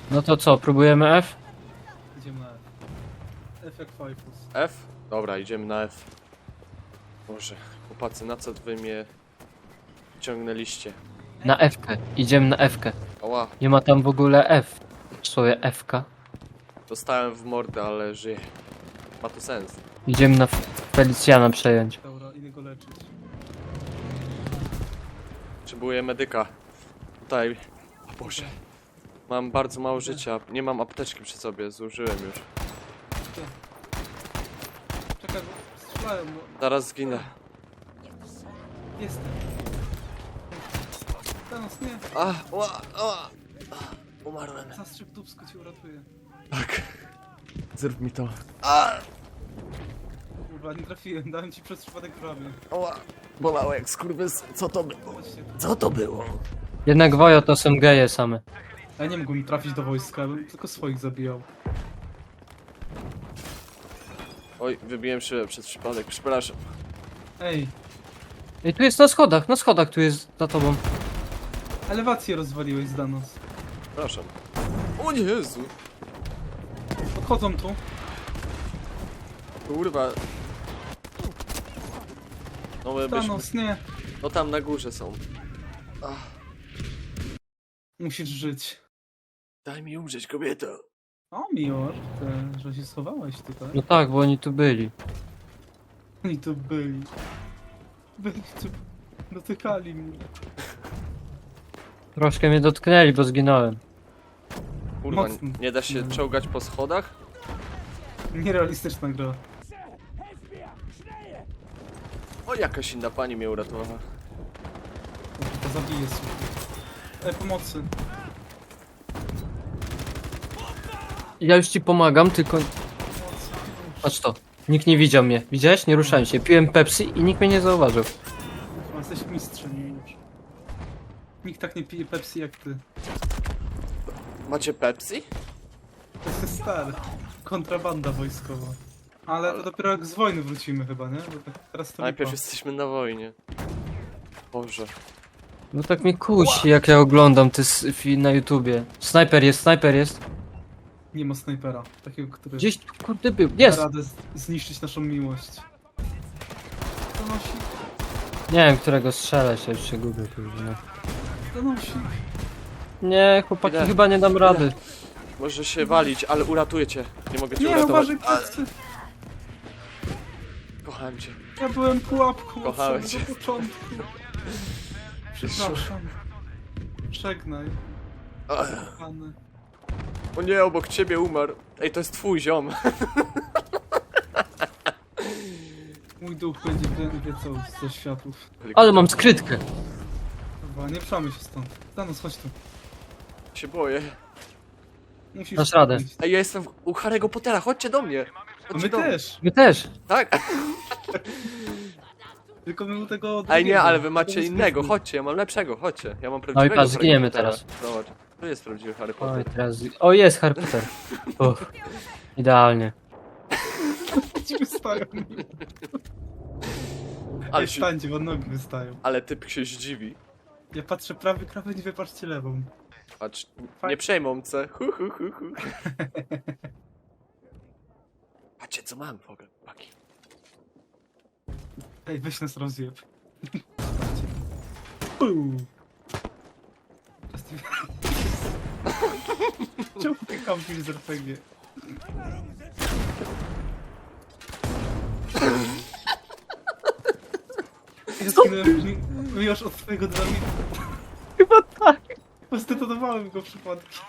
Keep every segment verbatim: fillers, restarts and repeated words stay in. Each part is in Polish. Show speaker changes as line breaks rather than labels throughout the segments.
No to co, próbujemy F?
Idziemy na F. F jak Fajfus.
F? Dobra, idziemy na F. Boże, chłopacy, na co wy mnie ciągnęliście?
Na F-kę. Idziemy na F-kę.
Oła,
Nie ma tam w ogóle F. W słowie F-ka.
dostałem w mordę, ale żyję. Ma to sens.
Idziemy na Felicjana przejąć.
Dobra, idę go leczyć.
Potrzebuję medyka. Tutaj. O Boże. Mam bardzo mało życia. Nie mam apteczki przy sobie, zużyłem już.
Czekaj, bo strzelają, bo
Zaraz zginę.
jestem. Thanos, nie!
A, ła, ła. Umarłem.
Zastrzyk dupsko cię uratuje.
Tak. Zrób mi to. A,
Kurwa, nie trafiłem, dałem ci przez przypadek w ramię.
ła. Bolało jak skurwys. Co to było?
Chodźcie tu.
Co to było?
Jednak Wojo to są geje same.
Ja nie mógłbym trafić do wojska, bym tylko swoich zabijał.
Oj, wybiłem się przez przypadek. Przepraszam.
Ej,
Ej, tu jest na schodach, na schodach tu jest za tobą.
elewację rozwaliłeś z Danos.
Przepraszam. O nie, Jezu.
Podchodzą tu.
Kurwa. No my byśmy...
Thanos, nie!
No tam na górze są. Ach,
Musisz żyć.
daj mi umrzeć, kobieto.
O, Mior, ty, że się schowałeś tutaj.
No tak, bo oni tu byli.
Oni tu byli. Byli tu. Dotykali mnie.
Troszkę mnie dotknęli, bo zginąłem.
Kurwa,
Mocno.
nie da się czołgać po schodach?
Nierealistyczna gra.
O, jakaś inna pani mnie uratowała.
Dobrze, to zabije sobie. Ej, pomocy.
Ja już ci pomagam, tylko...
Pomocy.
Patrz to. Nikt nie widział mnie. Widziałeś? Nie ruszałem się. Piłem Pepsi i nikt mnie nie zauważył.
Kurwa, jesteś mistrzem już. Nikt tak nie pije Pepsi jak ty.
Macie Pepsi?
To jest stary. Kontrabanda wojskowa. Ale to dopiero jak z wojny wrócimy chyba, nie? Bo tak teraz to
Najpierw
lipa.
jesteśmy na wojnie. Boże.
No tak mnie kusi, jak ja oglądam te s- fi- na YouTubie. Snajper jest, snajper jest.
Nie ma snajpera. Takiego, który
Gdzieś tu, kurde był.
da
Jest!
radę z- zniszczyć naszą miłość. Donosi.
Nie wiem, którego strzelać, ja już się gubię. kurde.
Donosi.
Nie, chłopaki,
Idę.
chyba nie dam rady.
Może się walić, ale uratuję cię. Nie mogę cię
Nie,
uratować.
uważaj plecy.
Kochałem cię.
Ja byłem pułapką od
Kochałem
samego
cię.
początku. Przepraszam. Żegnaj,
Ach,
kochany.
o nie, obok ciebie umarł. Ej, to jest twój ziom.
Mój duch będzie wie- wiecał ze światów.
Ale mam skrytkę.
Chyba, nie przamy się stąd. Thanos, chodź tu.
Się boję.
Musisz
Dasz radę.
iść.
Ej, ja jestem w- u Harry'ego Pottera, chodźcie do mnie.
A
Chodźcie
my
do mnie.
też.
Wy też.
Tak?
Tylko my u tego
Ej,
drugiego.
nie, ale wy macie
Tego
innego,
zbytku.
chodźcie, ja mam lepszego, chodźcie. Ja mam prawdziwego
patrz,
Harry'ego
zginiemy
Pottera.
teraz.
Zobacz, to jest prawdziwy Harry
Oj,
Potter.
teraz... O, jest Harry Potter. Uff. Idealnie.
Ci wystają.
Ale,
Ej,
się,
stańcie, bo nogi wystają.
ale typ się zdziwi.
Ja patrzę prawy krawędź, wy patrzcie lewą.
Patrz,
Faj-
nie przejmą se. Hu, hu, hu, hu. Patrzcie, co mam w ogóle, paki.
Ej, weź nas rozjeb. Puu. Czemu ty kampisz z er pe gie? Ja skinąłem mi- już od twojego dynamitu.
Chyba tak.
Postetowałem go przypadkiem.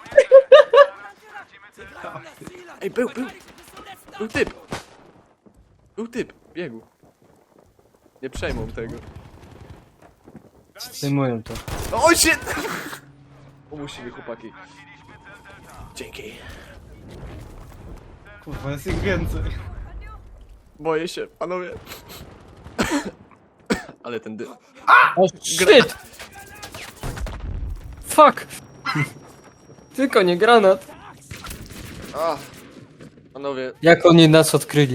Ej, był, był. Był typ. Był typ, biegł. Nie przejmą tego.
Zdejmują to.
O, shit! Umusimy, chłopaki. Dzięki.
Kurwa, jest ich więcej.
Boję się, panowie. Ale ten dym.
O, shit! Fuck! Tylko nie granat.
A, panowie,
Jak oni nas odkryli.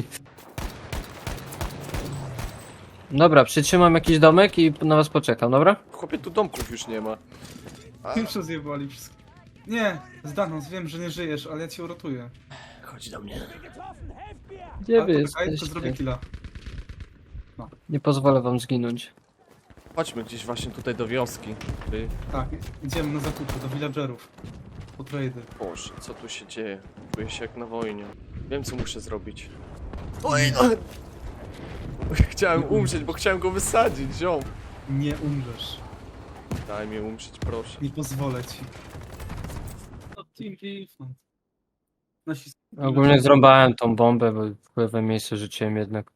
Dobra, przytrzymam jakiś domek i na was poczekam, dobra?
chłopie, tu domków już nie ma. A,
Już rozjebali wszystko. Nie, Zdanos, wiem, że nie żyjesz, ale ja cię uratuję.
Chodź do mnie.
Gdzie
A,
wy
poczekaj, to zrobię
jesteście?
killa.
Nie pozwolę wam zginąć.
Chodźmy gdzieś właśnie tutaj do wioski. Ty.
Tak, idziemy na zakupy do villagerów. Po trady.
Boże, co tu się dzieje? Czuję się jak na wojnie. Wiem, co muszę zrobić. Oj, no. Chciałem umrzeć, bo chciałem go wysadzić, ziom.
Nie umrzesz.
Daj mi umrzeć, proszę.
Nie pozwolę ci. No, Team Defense. Nasi
Ogólnie zrąbałem tą bombę, bo w lewe miejsce rzuciłem jednak.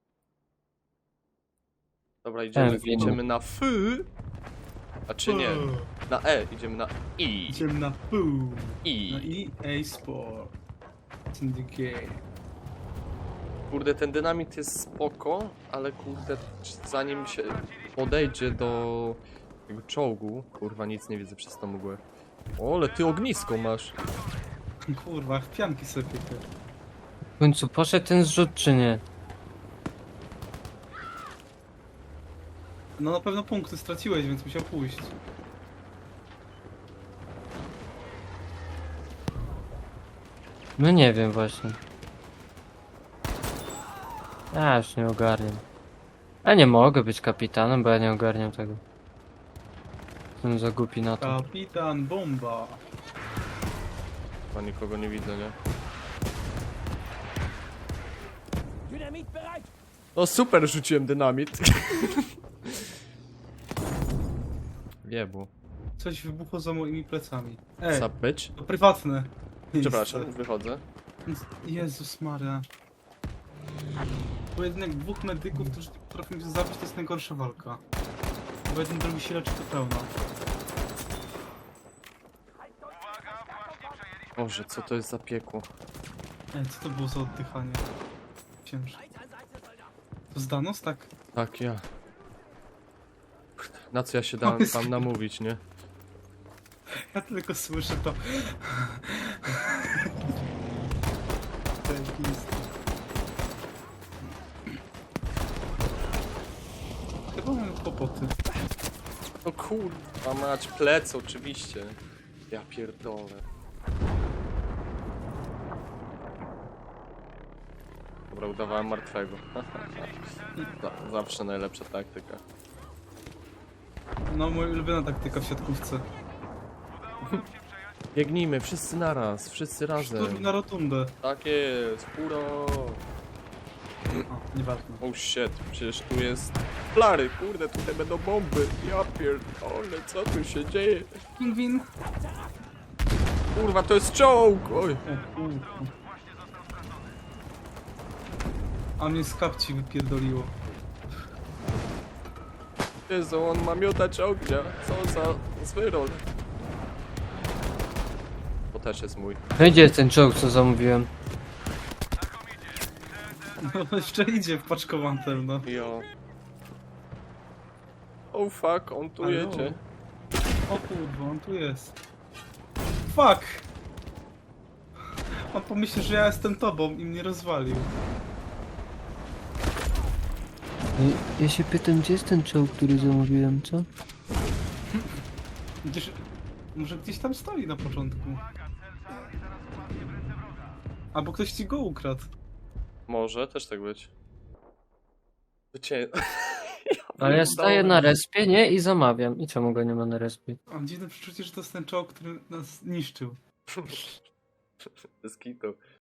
Dobra, idziemy,
Ten film.
idziemy na F. A czy nie? Na E, idziemy na I.
Idziemy na pół. Na
I.
E A Sport. Syndicate.
Kurde, ten dynamit jest spoko, ale kurde, zanim się podejdzie do tego czołgu, kurwa, nic nie widzę przez tą mgłę. O, ale ty ognisko masz.
Kurwa, jak pianki sobie piekę.
W końcu poszedł ten zrzut czy nie?
No na pewno punkty straciłeś, więc musiał pójść.
No nie wiem właśnie. Ja już nie ogarniam. Ja nie mogę być kapitanem, bo ja nie ogarniam tego. Jestem za głupi na to.
Kapitan Bomba.
Chyba nikogo nie widzę, nie? No super, rzuciłem dynamit. Jebło.
Coś wybuchło za moimi plecami. Ej,
Sup, bitch?
to prywatne.
Przepraszam,
miejsce.
wychodzę.
Jezus Maria. Pojedynek dwóch medyków, którzy potrafią się zabić, to jest najgorsza walka. Bo jeden drugi się leczy to pełno.
Boże, co to jest za piekło?
Ej, co to było za oddychanie? Ciężko. To Zdanos, tak?
Tak, ja. Na co ja się dałem tam namówić, nie?
Ja tylko słyszę to. Zajebiste. Chyba mam kłopoty.
No kurwa, mać plec oczywiście. Ja pierdolę. Dobra, udawałem martwego. Za- Zawsze najlepsza taktyka.
No, moja ulubiona taktyka w siatkówce.
Biegnijmy, wszyscy naraz, wszyscy
Szturm
razem.
na rotundę.
Tak jest, hurra!
O, nieważne.
Oh shit, przecież tu jest flary, kurde, tutaj będą bomby. Ja pierdolę, co tu się dzieje?
Pingwin.
Kurwa, to jest czołg! Oj.
O, kurwa. A mnie z kapci wypierdoliło.
Jezu, on ma miotać ognia. Co za zwyrol. To też jest mój.
No gdzie jest ten czołg, co zamówiłem?
No jeszcze idzie w paczkowantem, no.
Jo. Oh fuck, on tu
Halo?
jedzie.
O kurwa, on tu jest. Fuck! On pomyśli, że ja jestem tobą i mnie rozwalił.
Ja się pytam, gdzie jest ten czołg, który zamówiłem, co?
Gdzieś... Może gdzieś tam stoi na początku. Albo ktoś ci go ukradł.
Może też tak być. Wycie...
Ale ja staję na respie, nie? I zamawiam. I czemu go nie ma na respie?
Mam dziwne przeczucie, że to jest ten czołg, który nas niszczył.
Bez kitu.